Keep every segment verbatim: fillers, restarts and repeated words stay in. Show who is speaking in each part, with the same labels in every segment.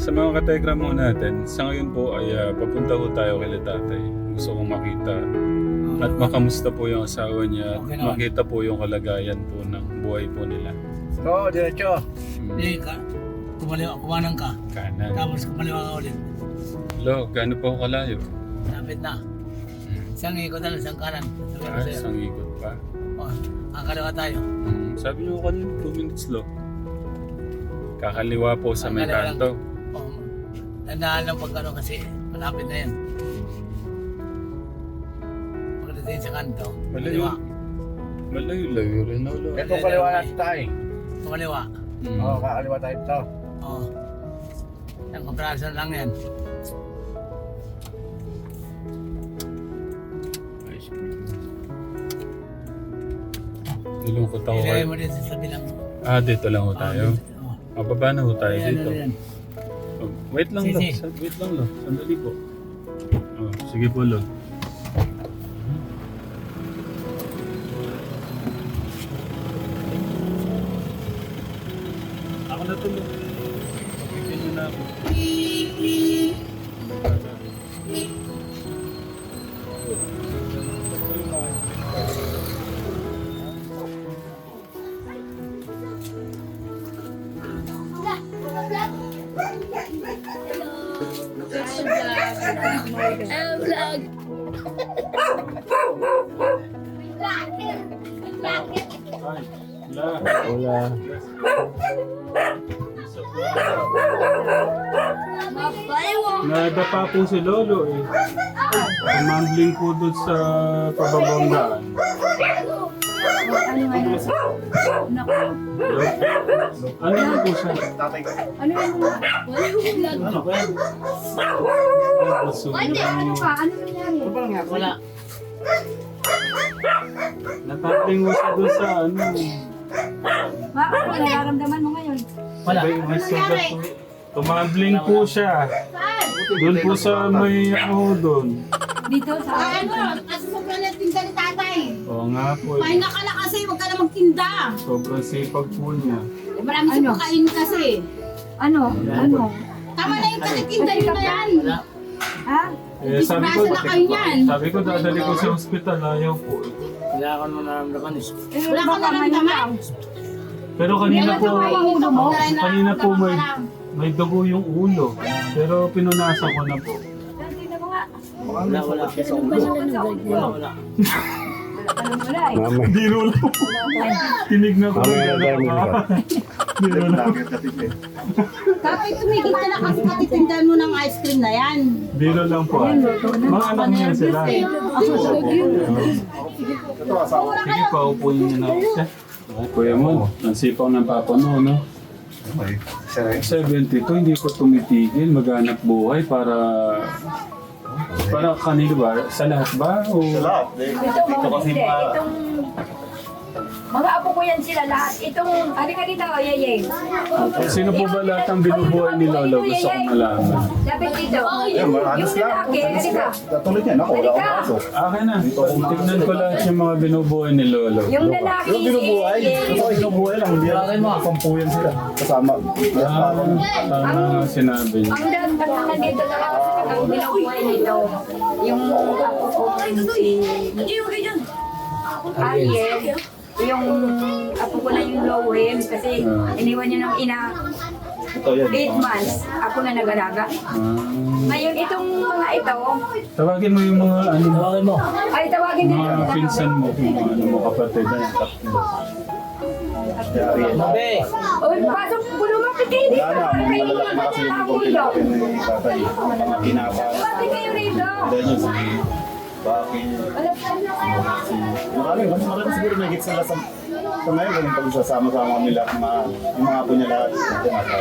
Speaker 1: sa mga kategram mo natin, sa ngayon po ay uh, papunta po tayo kay tatay. Gusto kong makita at makamusta po yung asawa niya at
Speaker 2: Okay naman.
Speaker 1: makita po yung kalagayan po ng buhay po nila.
Speaker 3: Oo, diretso.
Speaker 1: Hmm.
Speaker 2: Hindi ka. Kumaliwa, kumanan ka.
Speaker 1: Kanan.
Speaker 2: Tapos kumaliwa ka ulit.
Speaker 1: Lo, gaano po kalayo?
Speaker 2: Lapit na. Isang ikot na lang, isang kanan. Sabi ko
Speaker 1: Ah,
Speaker 2: sa'yo.
Speaker 1: isang ikot pa.
Speaker 2: Oh, kakaliwa tayo.
Speaker 1: Hmm. Sabi niyo kanina two minutes lo. Kakaliwa po sa may
Speaker 2: Kakaliwa lang.
Speaker 1: kanto.
Speaker 2: Oh, tandaan lang pag ano kasi malapit na yan. Pagdating sa kanto,
Speaker 1: Malayo.
Speaker 2: kaliwa.
Speaker 1: Malayo-layo rin no, lo.
Speaker 3: Ito kaliwa natin tayo.
Speaker 2: Kumaliwa.
Speaker 1: Hmm.
Speaker 3: Oo, kakaliwa tayo ito.
Speaker 2: Oh. Isang kapraso lang yan.
Speaker 1: Ice cream. Nilungkot ako
Speaker 2: Ilagay
Speaker 1: kayo.
Speaker 2: mo din sa sabi lang.
Speaker 1: Ah, dito lang ho tayo.
Speaker 2: Oh.
Speaker 1: Mababa na ho tayo
Speaker 2: Ayan,
Speaker 1: dito.
Speaker 2: ayan.
Speaker 1: Oh, wait lang
Speaker 2: Sige,
Speaker 1: lo.
Speaker 2: sige.
Speaker 1: Sa- Wait lang lo. Sandali po. Oh, sige po lo. Ako na to lo. Bigyan nyo na ako.
Speaker 4: Hello, vlog.
Speaker 1: Ay, la.
Speaker 3: Wala.
Speaker 1: Nadapa po si Lolo eh. Tumambling po doon sa pababang daan.
Speaker 4: Ano nga yun? Naku.
Speaker 1: Ano na po siya?
Speaker 3: Tatay ko.
Speaker 4: Ano yung mga... Wala yung vlog.
Speaker 3: Ano ba yan?
Speaker 1: Gusto
Speaker 4: Hindi, ano ka? Ano nangyari?
Speaker 3: Ano ba nangyari?
Speaker 2: Wala.
Speaker 1: Natambling mo siya doon sa ano.
Speaker 4: Ma, ano nararamdaman mo ngayon?
Speaker 2: Wala.
Speaker 1: May, may sugat po. Tumambling po siya. Doon po sa may ano doon.
Speaker 4: Dito sa...
Speaker 5: Ano? Kasi sobrang natinda ni tatay.
Speaker 1: Oo nga po eh.
Speaker 5: Pahinga ka na kasi, huwag ka na magtinda.
Speaker 1: Sobrang sipag po niya.
Speaker 5: Eh, marami
Speaker 4: Ano?
Speaker 5: ano? Pakain kasi.
Speaker 4: Ano? Ano?
Speaker 5: Tama na yung katitinda nyo na yan.
Speaker 2: Wala.
Speaker 4: Ha?
Speaker 1: Eh, sabi ko,
Speaker 5: Disgrasya na kayo niyan.
Speaker 1: sabi ko dadali ko sa ospital, ayaw po.
Speaker 2: Wala ka naman naramdaman eh.
Speaker 4: Eh,
Speaker 5: Wala ka
Speaker 4: baka
Speaker 5: naramdaman.
Speaker 1: Pero kanina po,
Speaker 4: ulo mo?
Speaker 1: kanina po may, may dugo yung ulo. Pero pinunasan ko na po.
Speaker 4: Tingnan mo nga.
Speaker 2: Wala, wala. Wala, wala.
Speaker 4: Ano wala eh.
Speaker 3: Mamay.
Speaker 1: Biro lang. Tinignan ko
Speaker 3: Mamaya
Speaker 1: yung
Speaker 3: tayo
Speaker 1: gano'n
Speaker 3: muna.
Speaker 1: ka. Biro lang.
Speaker 5: Kapag tumigil ka na kasi katitindahan mo ng ice cream na yan.
Speaker 1: Biro lang po. Mga anak niya sila.
Speaker 3: Ito, asawa.
Speaker 1: Sige pa, upuin niyo na ako siya. Kuya mo, ang sipaw ng papa mo, no?
Speaker 3: Okay. Siya rin.
Speaker 1: seventy-two, hindi ko tumitigil, maghanap buhay para... Para kanino ba? Sa lahat ba? O...
Speaker 3: Sa lahat. Eh,
Speaker 4: Ito
Speaker 3: Ito
Speaker 4: mga
Speaker 3: kasi
Speaker 4: hindi.
Speaker 3: pa.
Speaker 4: Itong... Mga apo ko yan sila lahat. Itong... Halika dito, Yeye.
Speaker 1: Sino po ba lahat ang binubuhay ni Lolo? Gusto kong malaman.
Speaker 4: Lapit dito.
Speaker 3: Yan, mahalos
Speaker 4: Yung
Speaker 3: lang.
Speaker 4: lalaki, halika.
Speaker 3: Katulad yan ako. Wala akong kaso.
Speaker 1: Akin na. Tignan ko lahat yung mga binubuhay ni Lolo.
Speaker 4: Yung lalaki,
Speaker 3: Yung binubuhay.
Speaker 4: si
Speaker 3: Ito
Speaker 4: Yeye.
Speaker 3: binubuhay lang. Hindi
Speaker 2: Bakit mo?
Speaker 3: Pampuyan sila. Kasama.
Speaker 1: Ah, tama sinabi niya.
Speaker 4: Ang dahil ba't naman dito na ang binubuhay nito? Yung apo ko, si Ariel. Yung apo ko na yung Lowem kasi iniwan niya ng ina
Speaker 3: Ito yan.
Speaker 4: eight months. Ako na nag-alaga.
Speaker 1: Ah,
Speaker 4: Ngayon itong mga ito,
Speaker 1: tawagin mo yung mga ano mo.
Speaker 2: Tawagin mo.
Speaker 4: ay tawagin din
Speaker 1: Mga
Speaker 4: ito.
Speaker 1: pinsan mo, kung mga ano mo kapatid na yung tatlo.
Speaker 2: Mabe.
Speaker 4: O, pasok, lumapit kayo dito.
Speaker 3: Wala na.
Speaker 4: Kayo
Speaker 3: Malalaki na kasi yung
Speaker 4: ang
Speaker 3: konti
Speaker 4: ulo.
Speaker 3: natin ni tatay. Kinaba.
Speaker 4: Lumapit kayo rito.
Speaker 3: Dahil yun si Baki. Si... Marami. Mas marami siguro may higit sila sa... Sa ngayon, ganun pag sasama-sama kami lahat. Mga, yung mga apo niya lahat. Ito nasa...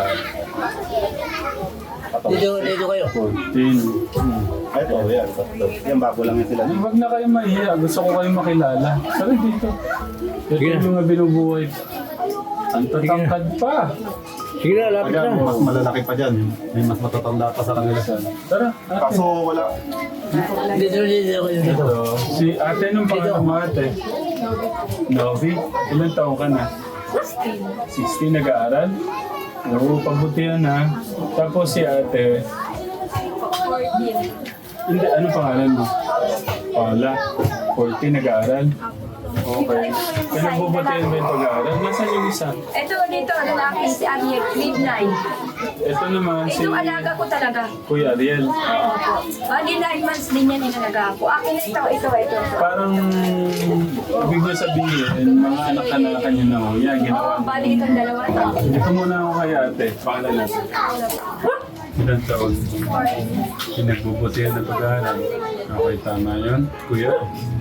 Speaker 3: Katawa.
Speaker 2: Dito, dito kayo.
Speaker 1: fourteen.
Speaker 3: Ay, ito, yan. Tatlo. Yan, bago lang yan sila.
Speaker 1: Huwag na kayo mahiya. Gusto ko kayong makilala. Sabi dito. Ito yung mga binubuhay. Ang tatangkad pa.
Speaker 2: Sige na, lapit
Speaker 3: Aga,
Speaker 2: na.
Speaker 3: mas malalaki pa dyan. May mas matatanda pa sa kanila.
Speaker 1: Tara, ate.
Speaker 3: Kaso wala.
Speaker 2: Dito, dito, dito.
Speaker 1: Ito, si ate nung pangalan mo ate. Novi, ilang taon ka na? sixteen. sixteen nag-aaral? Oo, pagbutihan ha. Tapos si ate, hindi, anong pangalan mo? Paula. fourteen, nag-aaral? Okay. Pinagbubutihan ba yung pag-aaral? Nasaan yung isa?
Speaker 4: Ito dito, lalaki si Ariel, grade nine.
Speaker 1: Ito naman si
Speaker 4: Ito alaga ko talaga.
Speaker 1: Kuya Ariel.
Speaker 4: Bali nine months din yan inalaga ko. Akin na ito, ito, ito.
Speaker 1: Parang ibig niya sabihin, mga anak-anakan niyo na ho. Yan, ginawa.
Speaker 4: Oo, bali itong dalawa to.
Speaker 1: Dito muna ako kay ate. Pangalan natin. Ilan taon? Pinagbubutihan ng pag-aaral. Okay, tama yun. Kuya?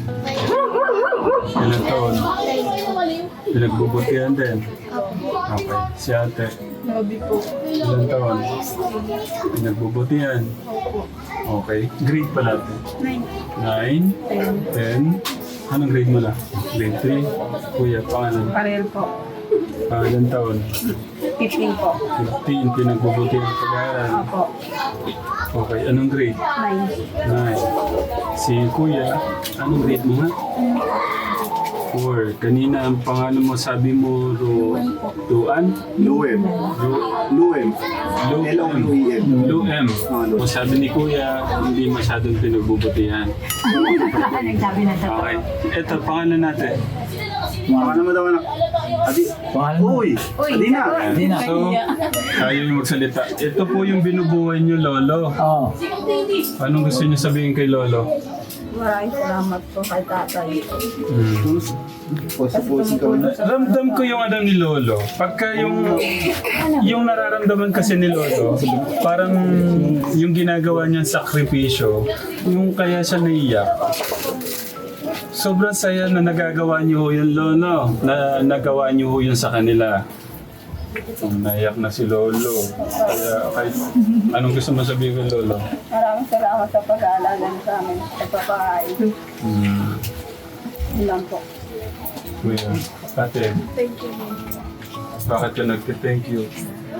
Speaker 1: Ilan taon? Pinagbubutihan din. Okay. Si ate? Ilan taon? Pinagbubutihan. Okay. Grade pala ate? Nine. Ten. Anong grade mo na? Grade three. Kuya, pangalan?
Speaker 5: Parel po.
Speaker 1: Pangalan taon?
Speaker 5: fifteen po.
Speaker 1: fifteen. Pinagbubutihan ng pag-aaral.
Speaker 5: Opo.
Speaker 1: Okay. Anong grade?
Speaker 5: Nine.
Speaker 1: Nine. Si Kuya, anong grade mo nga? Four. Kanina ang pangalan mo, sabi mo, Ru... Ruan?
Speaker 3: Luem.
Speaker 1: Ru...
Speaker 3: Luem.
Speaker 1: Lu...
Speaker 3: L O U E M.
Speaker 1: Lu M. O sabi ni Kuya, hindi masyadong pinagbubutihan.
Speaker 4: Nagsabi na ito.
Speaker 1: Okay. Ito, pangalan natin.
Speaker 3: Pangalan mo daw anak. Adi.
Speaker 2: Pangalan mo?
Speaker 3: Uy. Adi na.
Speaker 2: Hindi na.
Speaker 1: So, kayo yung magsalita. Ito po yung binubuhay niyo, Lolo.
Speaker 2: Oo.
Speaker 1: Anong gusto niyo sabihin kay Lolo?
Speaker 5: Maraming salamat po kay tatay.
Speaker 1: Hmm.
Speaker 3: Pusi-pusi ka mo na.
Speaker 1: Ramdam ko yung ano ni Lolo. Pagka yung yung nararamdaman kasi ni Lolo, parang yung ginagawa niyang sakripisyo, yung kaya siya naiyak. Sobrang saya na nagagawa niyo ho yun, Lolo. Na nagawa niyo ho yun sa kanila. Naiyak na si Lolo. Kaya kahit anong gusto mo sabihin kay Lolo?
Speaker 5: Maraming salamat sa pag-aalaga sa amin. Sa papahay.
Speaker 1: Hmm.
Speaker 5: Ilan po.
Speaker 1: Kuya, ate. Thank you. Bakit ka nagte-thank you?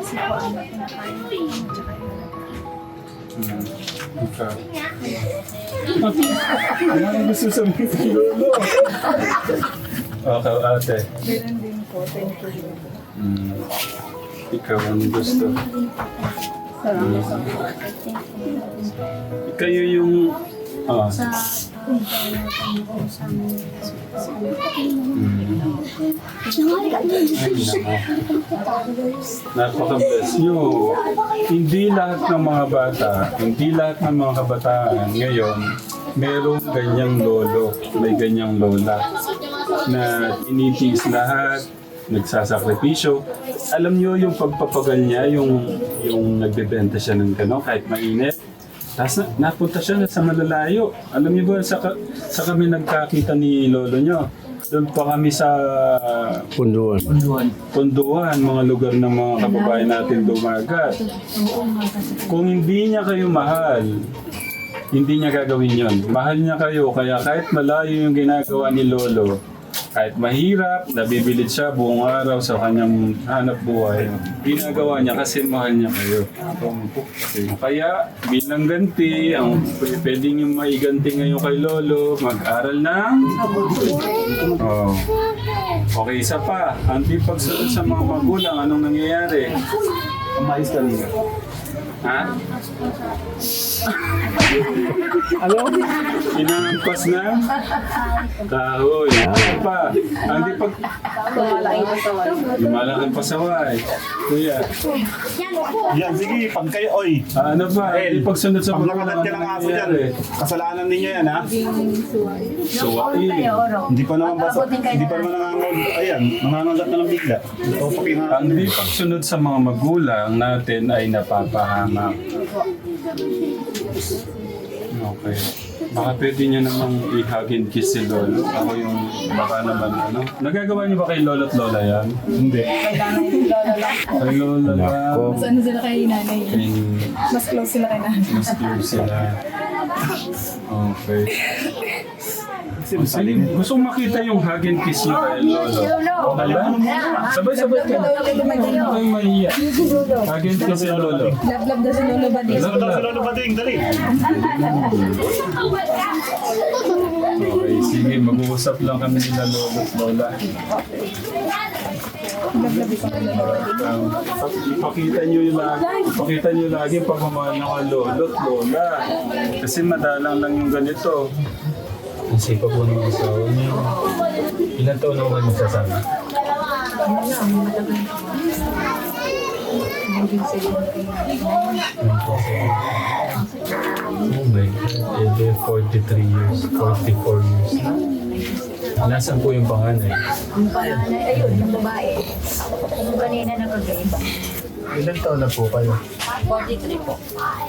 Speaker 1: Hmm. Ikaw. Ano gusto sabihin kay Lolo? Okay, ate.
Speaker 5: Meron din po. Thank you.
Speaker 1: Hmm. Ikaw, anong gusto?
Speaker 5: Salamat sa
Speaker 1: Kayo yung... Ah. Napaka-bless nyo. Hindi lahat ng mga bata, hindi lahat ng mga kabataan ngayon, merong ganyang lolo, may ganyang lola na tinitiis lahat, nagsasakripisyo. Alam nyo yung pagpapagal niya, yung, yung nagbebenta siya ng gano'n kahit mainit. Tapos na, napunta siya na sa malalayo. Alam niyo ba, sa, ka- sa kami nagkakita ni lolo nyo, doon pa kami sa
Speaker 2: Punduan. Punduan.
Speaker 1: Punduan, mga lugar ng mga kababayan natin dumagat. Kung hindi niya kayo mahal, hindi niya gagawin yon. Mahal niya kayo, kaya kahit malayo yung ginagawa ni lolo, kahit mahirap, nabibilid siya buong araw sa kanyang hanap buhay. Ginagawa niya kasi mahal niya kayo. Kaya bilang ganti, ang p- pwede niyo maiganti ngayon kay Lolo, mag-aral ng... Oh. Okay, isa pa. Hindi pagsunod sa mga magulang, anong nangyayari?
Speaker 3: Umayos ka rin.
Speaker 1: Ha? Ano? Inampas na? Kahoy. Ano pa? Hindi pag... Lumalaki pa saway. Kuya.
Speaker 3: Yan, sige. Pag kayo, oy.
Speaker 1: Ah, ano ba? Hindi pagsunod sa
Speaker 3: Pag
Speaker 1: mga
Speaker 3: nakagat ka ng aso dyan, kasalanan ninyo yan, ha?
Speaker 1: Suwain.
Speaker 3: Hindi pa naman basa. Hindi pa naman nangangal. Ayan, nangangagat na lang bigla. Ito, pakinga.
Speaker 1: Ang hindi pagsunod sa mga magulang natin ay napapahamak. Okay. Baka pwede niyo namang i-hug and kiss si Lolo. Ako yung baka naman ano. Nagagawa niyo ba kay Lolo at Lola yan? Hindi. Kay Lola lang.
Speaker 6: Mas ano sila kay nanay.
Speaker 1: Kay...
Speaker 6: Mas close sila kay nanay.
Speaker 1: Mas close sila. Okay. O, sige, gusto kong makita yung hug and kiss niyo kay Lolo. Hala? Sabay-sabay ka. Huwag kayong mahiya. Hug and kiss si Lolo.
Speaker 6: Love-love daw si Lolo Badis.
Speaker 1: Love, love.
Speaker 3: Lolo Bading, dali.
Speaker 1: Okay, sige, mag-uusap lang kami nila Lolo at Lola.
Speaker 6: Laglabi ko na lola dito.
Speaker 1: Um, ipakita nyo yung lagi, ipakita nyo lagi yung pagmamahal ng mga lolo at lola. Kasi madalang lang yung ganito. Ang sipa po ng asawa niyo. Ilan taon na kayo magsasama? Oh my God. Eh, di forty-three years, forty-four years na. Nasaan po yung panganay?
Speaker 4: Yung panganay, ayun, yung babae. Yung kanina nagkagayon.
Speaker 1: Ilan taon na po kayo?
Speaker 4: forty-three po.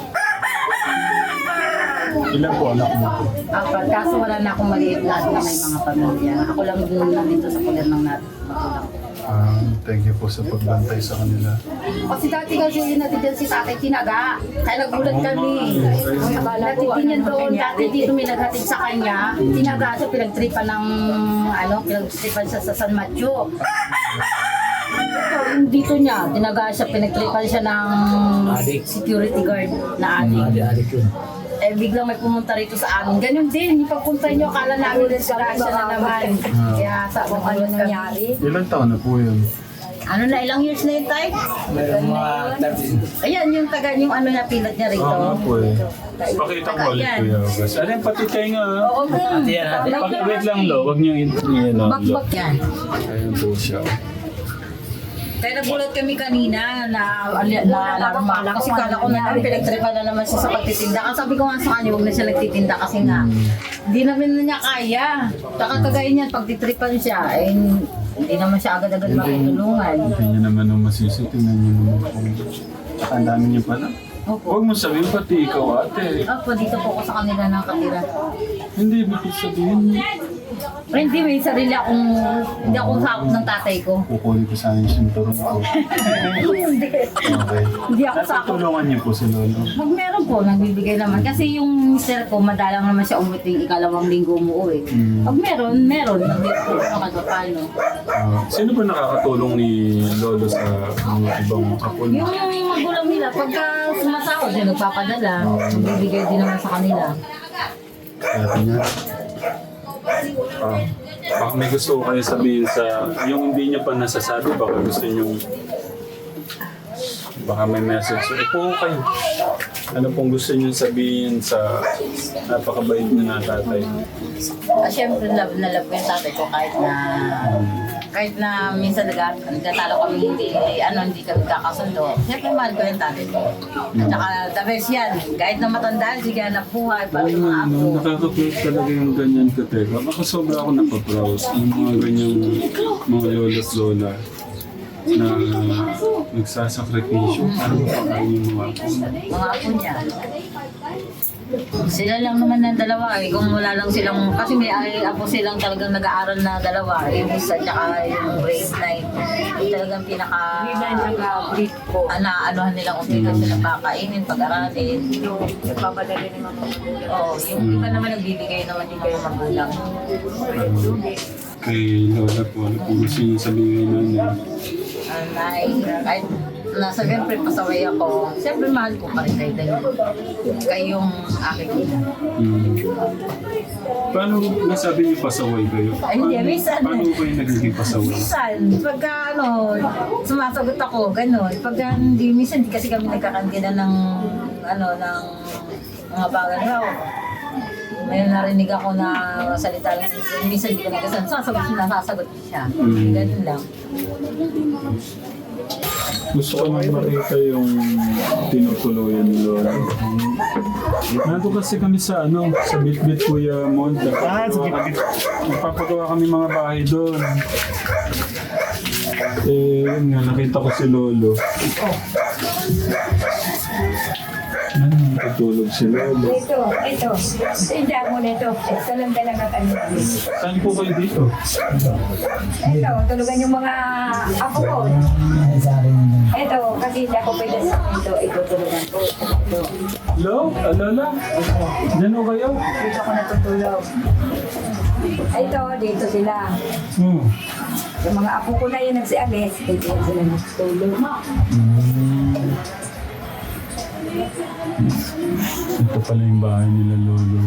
Speaker 1: Ilan po anak mo po?
Speaker 4: Apat, kaso wala na akong maliit lahat na may mga pamilya. Ako lang din dito sa kulan ng natin. Magulang ko.
Speaker 1: Ah, thank you po sa pagbantay sa kanila.
Speaker 4: Kasi dati kasi yun natin dyan si tatay tinaga. Kaya nagulat kami. Natitin yan doon. Dati dito may naghatid sa kanya. Tinaga siya, pinagtripan ng, ano, pinagtripan siya sa San Mateo. Ito, yung dito niya, tinaga siya, pinagtripan siya ng security guard na adik.
Speaker 2: Adik yun.
Speaker 4: Eh, biglang may pumunta rito sa amin. Ganun din, yung pagpunta niyo, akala namin disgrasya na naman. Kaya sa kung ano nangyari.
Speaker 1: Ilan taon na po yun?
Speaker 4: Ano na, ilang years na yun, Tay?
Speaker 2: Meron mga thirty.
Speaker 4: Ayan, yung taga, yung ano na pilat niya rito.
Speaker 1: Oo nga po eh. Pakita ko ulit
Speaker 4: Ayan.
Speaker 1: Kuya August. Ano yung pati tayo nga? ah?
Speaker 4: Oo, kung.
Speaker 2: Ate yan, ate.
Speaker 1: Pag- Wait lang lo, wag niyo in- yan lo.
Speaker 4: Bakbak yan.
Speaker 1: Ayun po siya.
Speaker 4: Kaya nagulat kami kanina na na alarma lang kasi kala ko na naman pinagtripan na naman siya sa pagtitinda. Kasi sabi ko nga sa kanya, huwag na siya nagtitinda kasi nga hindi naman na niya kaya. Saka kagaya niyan, pagtitripan siya, eh, hindi naman siya agad-agad makitulungan.
Speaker 1: Hindi niya naman ang masisi. Tingnan niyo naman po. Tsaka ang dami niya pala.
Speaker 4: Opo.
Speaker 1: Huwag mo sabihin pati ikaw ate.
Speaker 4: Opo, dito po ako sa kanila nakatira.
Speaker 1: Hindi, bakit sabihin?
Speaker 4: Pero hindi, may sarili akong, hindi akong sakop ng tatay ko.
Speaker 1: Kukunin ko sana yung sinturon ko.
Speaker 4: Hindi.
Speaker 1: Okay.
Speaker 4: Hindi ako sakop.
Speaker 1: Tulungan niyo po si Lolo.
Speaker 4: Mag meron po, nagbibigay naman. Kasi yung mister ko, madalang naman siya umuwi tuwing ikalawang linggo umuwi.
Speaker 1: Mm.
Speaker 4: Pag meron, meron. Nagbibigay po ako paano.
Speaker 1: Ah, sino ba nakakatulong ni Lolo sa mga ibang apo niya?
Speaker 4: Yung magulang nila, pagka sumasahod, yun nagpapadala. Nagbibigay din naman sa kanila.
Speaker 1: Kaya niya. Ah, baka may gusto ko kayo sabihin sa, yung hindi niyo pa nasasabi, baka gusto niyo, baka may message. Upo kayo. Ano pong gusto niyo sabihin sa napakabait na na tatay?
Speaker 4: Ah, syempre, love na love ko yung tatay ko kahit na kahit na minsan nag- nagtatalo kami hindi, ano, hindi kami kakasundo. Siyempre, mahal ko yung tatay ko. Tsaka, the best yan. Kahit na matandaan, sige na buhay, para yung mga
Speaker 1: Ano,
Speaker 4: apo.
Speaker 1: nakaka-proud talaga yung ganyan ka, Teka. Baka sobra ako napaproud. Yung mga ganyang mga lola't lola na nagsasakripisyo. Ano pa kayo yung mga apo?
Speaker 4: Mga apo niya. Sila lang naman ng dalawa eh. Kung wala lang silang, kasi may ay, apo silang talagang nag-aaral na dalawa. Yung isa tsaka yung grade nine. Yung talagang pinaka... Hindi ko. Ana, anuhan nilang umpisa sila pakainin, pag-aralin. Nagpapadali ni mga magulang. Oo, yung iba naman nagbibigay naman din kayo magulang.
Speaker 1: Ano, kay Lola po, ano po gusto niyo sabihin na
Speaker 4: Anay, kahit na siyempre pasaway ako, siyempre mahal ko pa rin kayo dahil kayong aking ina.
Speaker 1: Hmm. Paano nasabi niyo pasaway kayo?
Speaker 4: Ay, hindi, minsan.
Speaker 1: Paano kayo nagiging pasaway?
Speaker 4: Minsan, pagka ano, sumasagot ako, gano'n. Pagka hindi, minsan hindi kasi kami nagkakantina ng, ano, ng mga bagay raw. May narinig ako na salita lang, minsan hindi ko nagkasan. Sasagot siya, nasasagot siya.
Speaker 1: Mm.
Speaker 4: Ganun lang.
Speaker 1: Gusto ko nang makita yung tinutuluyan ni Lola. Nandito kasi kami sa ano, sa Bitbit Kuya Monda.
Speaker 3: Ah, sige, sige.
Speaker 1: Magpapagawa kami mga bahay doon. Eh, yun nga, nakita ko si Lolo. Ano, natutulog si Lolo.
Speaker 7: Ito, ito. Tinda mo nito. Ito lang talaga kami.
Speaker 1: Saan po kayo dito?
Speaker 7: Ito, tulugan yung mga apo ko. Ito, kasi hindi ako pwede sa ito. Ito, tulugan ko. Ito.
Speaker 1: Hello? Ah, Lola? Diyan ho kayo?
Speaker 7: Dito ako natutulog. Ito, dito sila.
Speaker 1: Hmm.
Speaker 7: Yung mga apo ko na yun nagsialis, dito sila natutulog.
Speaker 1: Ito pala yung bahay nila Lolo.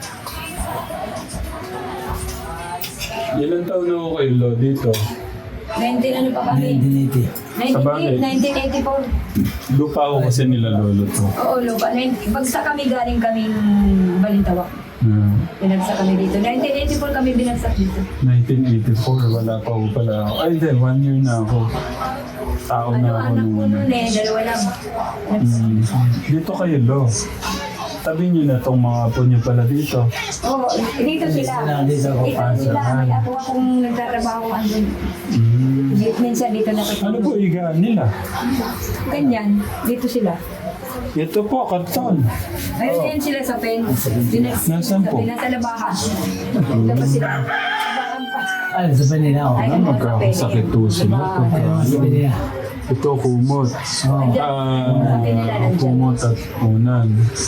Speaker 1: Ilan taon na ako kayo, Lo, dito?
Speaker 7: nineteen ano pa kami?
Speaker 1: Sabagay.
Speaker 7: nineteen eighty-four.
Speaker 1: Lupa ako kasi nila lolo to.
Speaker 7: Oo, lupa. nineteen Bagsak kami galing kaming Balintawak.
Speaker 1: Hmm.
Speaker 7: Binagsak kami dito. nineteen eighty-four kami binagsak dito.
Speaker 1: nineteen eighty-four, wala pa ako pala ako. Ay, hindi, one year na ako. Tao
Speaker 7: Ano,
Speaker 1: na ako
Speaker 7: anak
Speaker 1: nung
Speaker 7: ko
Speaker 1: ano.
Speaker 7: noon eh, dalawa lang.
Speaker 1: Hmm. Dito kayo, Lo. Tabi niyo na tong mga apo niyo pala dito.
Speaker 7: Oo, dito sila. Dito sila. May ako akong nagtatrabaho andun.
Speaker 1: Hmm.
Speaker 7: Minsan dito
Speaker 1: Ano
Speaker 7: nakatulog.
Speaker 1: po higaan nila?
Speaker 7: Ganyan, dito sila.
Speaker 1: Ito po, karton.
Speaker 7: Ayun din sila sa pen. Dinas,
Speaker 1: Nasaan po?
Speaker 7: Nasa labahan. Tapos sila. Labahan pa.
Speaker 8: Ano, sa Panila ako.
Speaker 7: Ay,
Speaker 1: Ano magkakasakit to sila? Pagka,
Speaker 8: Sa Panila.
Speaker 1: ito, kumot.
Speaker 8: Oo.
Speaker 1: Ah, kumot at unan.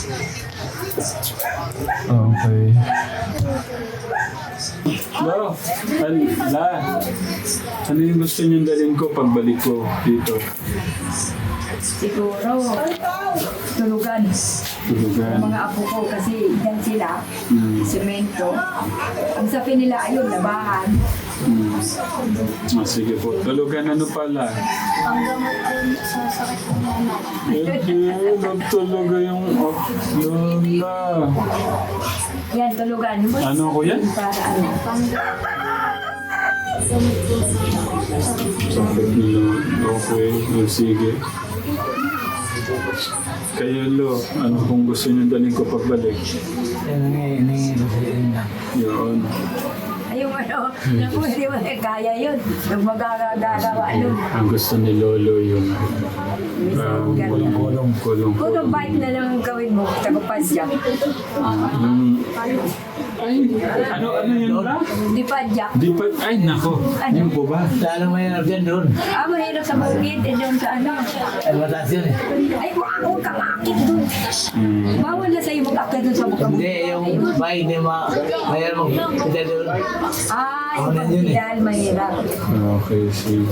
Speaker 1: Okay. Lo, an, la, ano yung gusto niyong dalhin ko pagbalik ko dito?
Speaker 7: Siguro, tulugan.
Speaker 1: Tulugan.
Speaker 7: Mga apo ko kasi dyan sila,
Speaker 1: Hmm.
Speaker 7: semento. Ang sabi nila ayun, labahan.
Speaker 1: Hmm. Ah, sige po. Tulugan ano pala?
Speaker 5: Ang gamot din sa sakit ng mama.
Speaker 1: Hindi, nagtulaga yung oh, Lola.
Speaker 7: Yan, tulugan.
Speaker 1: Ano ko yan?
Speaker 7: Para ano.
Speaker 1: Sakit nila. Okay, oh, sige. Kayo, Lo, ano kung gusto niyo dalhin ko pagbalik?
Speaker 8: Yan ang nangyayari ko sa inyo.
Speaker 1: Yun.
Speaker 7: Ayun ano, naku, hindi mo eh, kaya yun. Nung magagagawa, ano.
Speaker 1: Ang gusto ni Lolo yung um, kulong. Kulong.
Speaker 7: Kung bike na lang ang gawin mo, tagupas siya.
Speaker 1: Yung, ay, ano, ano yun ba?
Speaker 7: Di pa jack.
Speaker 1: Di pa, ay, nako. Yung po ba?
Speaker 8: Lalo mahirap dyan doon.
Speaker 7: Ah, mahirap sa bukid, eh, doon sa ano.
Speaker 8: Ay, mataas yun eh.
Speaker 7: Ay, kung ako ka makakit doon.
Speaker 1: Hmm.
Speaker 7: Bawal na sa'yo mag-akit doon sa bukid.
Speaker 8: Hindi, yung bahay hindi ma... Mahirap magpunta doon.
Speaker 7: Ay,
Speaker 8: Ako na yun eh.
Speaker 7: dahil mahirap.
Speaker 1: Okay, sige.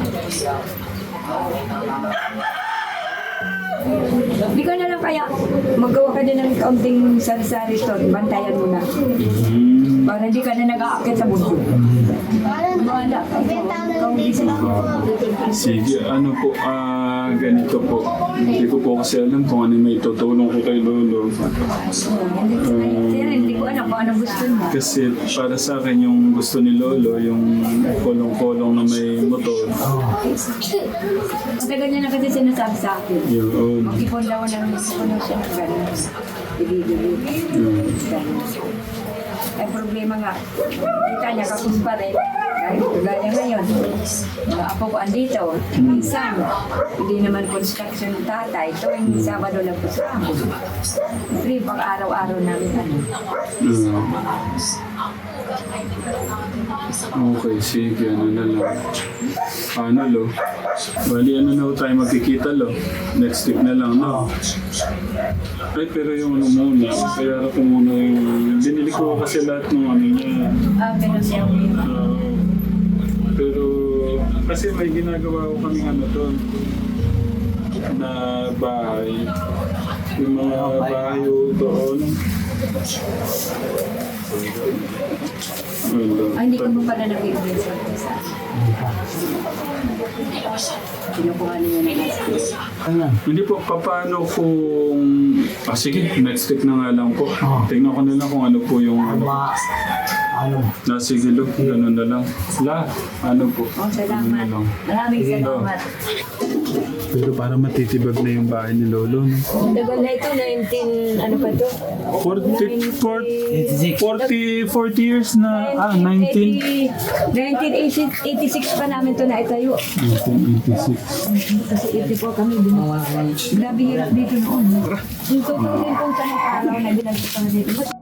Speaker 7: Di ka na lang kaya magawa ka din ng kaunting sari-sari store, bantayan mo na.
Speaker 1: Hmm.
Speaker 7: Para hindi ka na nag-aakit sa bundok. Wala. Ikaw busy.
Speaker 1: Sige, ano po, ah, ganito po. Hindi ko po kasi alam kung ano may tutulong ko kay Lolo.
Speaker 7: Sir, hindi ko alam kung anong gusto mo.
Speaker 1: Kasi para sa akin yung gusto ni Lolo, yung kolong-kolong na may motor.
Speaker 7: Matagal niya na kasi sinasabi sa akin.
Speaker 1: Yun.
Speaker 7: Mag-ipon daw ng ipon siya ng gano'n. Ibibili.
Speaker 1: Yun.
Speaker 7: Ay problema nga. Kita niya kapos pa rin. Kahit gaya ngayon. Mga apo ko andito. Minsan, hindi naman construction ng tatay. Tuwing Sabado lang po sa amin. Free pang araw-araw namin ano.
Speaker 1: Mm. Okay, sige, ano na lang. Ano, Lo? Bali, ano na ho tayo magkikita, Lo? Next week na lang, no? Ay, pero yung ano muna, kaya ko muna yung... Binili ko kasi lahat ng ano niya.
Speaker 7: Ah, pero siya
Speaker 1: Ah, pero, kasi may ginagawa ko kaming ano doon na bahay. Yung mga bahay doon. Wala.
Speaker 7: Ay, hindi ko mo pala nag-i-ibig sa isa. Kinukuha niya ng ice
Speaker 8: Ano?
Speaker 1: Hindi po, paano kung... Ah, sige, next week na nga lang po. Tingnan ko na lang kung ano po yung... Ano,
Speaker 8: Mga... Ano?
Speaker 1: na sige, Lo, ganun na lang. La, ano po?
Speaker 7: Oh,
Speaker 1: Ano na
Speaker 7: salamat.
Speaker 1: lang.
Speaker 7: Maraming salamat.
Speaker 1: Pero para matitibag na yung bahay ni Lolo, no?
Speaker 7: Tagal na ito, nineteen, ano pa to?
Speaker 1: forty, forty,
Speaker 8: eighty-six.
Speaker 1: forty, forty years na, ah, nineteen.
Speaker 7: nineteen eighty-six pa namin to na itayo.
Speaker 1: nineteen eighty-six.
Speaker 7: Kasi eighty-four kami din. Grabe hirap dito noon. Yung totoo din kung saan ang araw na ginagawa dito.